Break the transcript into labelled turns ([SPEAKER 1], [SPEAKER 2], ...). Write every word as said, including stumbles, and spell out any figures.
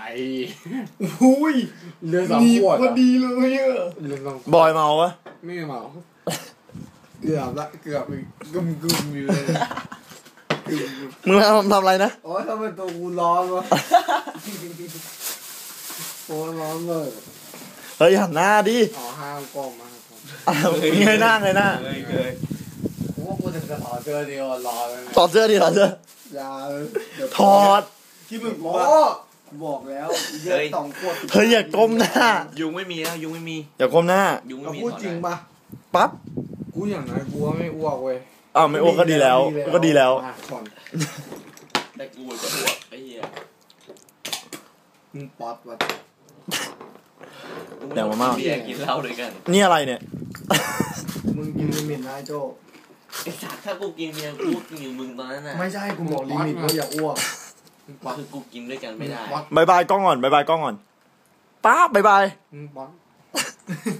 [SPEAKER 1] อุ้ย
[SPEAKER 2] เรือสองขวดพอดีเลยอ่ะ
[SPEAKER 3] บอยเมาปะ
[SPEAKER 2] ไม่เมาเกือบละเกือบอีกกึมกึมอยู่เลย
[SPEAKER 3] มึงทำทำอะไรนะ
[SPEAKER 2] โอ้ยทำไมตัวกูร้อนวะโอ้ร้อนเลย
[SPEAKER 3] เฮ้ยหันหน้าดิ
[SPEAKER 2] อ๋อห้ามกล้องมา
[SPEAKER 3] เงยหน้าเงยหน้า
[SPEAKER 2] ผมว่ากูจะถอดเสื้อดีกว่าร้อนเลย
[SPEAKER 3] ถอดเสื้อดิถอดเสื้อ
[SPEAKER 2] อย่า
[SPEAKER 3] ถอด
[SPEAKER 2] ที่มึงบอกบอกแล้วเยอะสองขวด
[SPEAKER 3] เฮ้ยอย่าก้มหน้า
[SPEAKER 1] ยุงไม่มีแล้วยุงไม่มี
[SPEAKER 3] อย่าก้มหน้า
[SPEAKER 1] ยุงไม่มี
[SPEAKER 2] พูดจริงปะ
[SPEAKER 3] ปั๊บ
[SPEAKER 2] กูอย่างไรกูว่าไม่อ้วกเว้ย
[SPEAKER 3] อ้าวไม่อ้วกก็ดีแล้วก็ดีแล้ว
[SPEAKER 1] แต่กูจะอ้วกไอ้เหี้ย
[SPEAKER 2] มึงป๊อตวะ
[SPEAKER 3] เดี๋ยวมาม่า
[SPEAKER 1] เบียร์กินเหล้าด้วยกัน
[SPEAKER 3] นี่อะไรเนี่ย
[SPEAKER 2] มึงกินลิมิตนะโจ
[SPEAKER 1] ไอ้สัตว์ถ้ากูกินเบียร์กูกินอยู่มึงตอนนั้นน่ะ
[SPEAKER 2] ไม่ใช่กูบอกลิมิตว่าอย่าอ้วก
[SPEAKER 1] คือกูกินด้วยกันไม่ได้
[SPEAKER 3] บายบายกล้องก่อนบายบายกล้องก่อนป๊าบบายบาย
[SPEAKER 2] มึงป๊อต